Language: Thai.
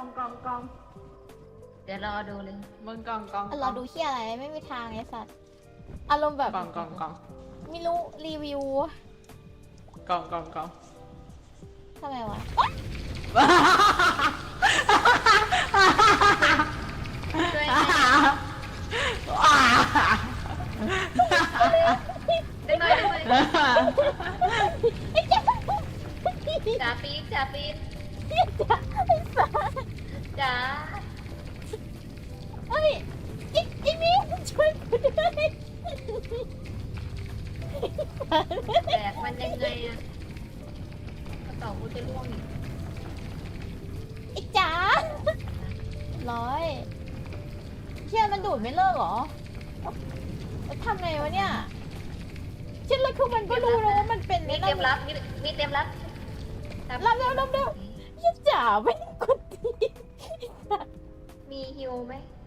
กองเดี๋ยวรอดูเลยมึงกองเราดูเที่ยอะไรไม่มีทางไอ้สัตว์อารมณ์แบบกองไม่รู้รีวิวกองทำไมวะช่วยได้ไหมจ่าปี๊ดจ๋าเฮ้ยไอ้นี่ช่วยกูด้วยแบกมันยังไงอะกระเป๋ากูจะร่วงอีกไอ้จ๋าร้อยเชี่ยมันดูดไม่เลิกเหรอทำไงวะเนี่ยเช่นแล้วคือมันก็รู้แล้วว่ามันเป็นมีเต็มรับมีเต็มรับรับเร็วยี่จ๋าไม่กดทีมีฮิวไหม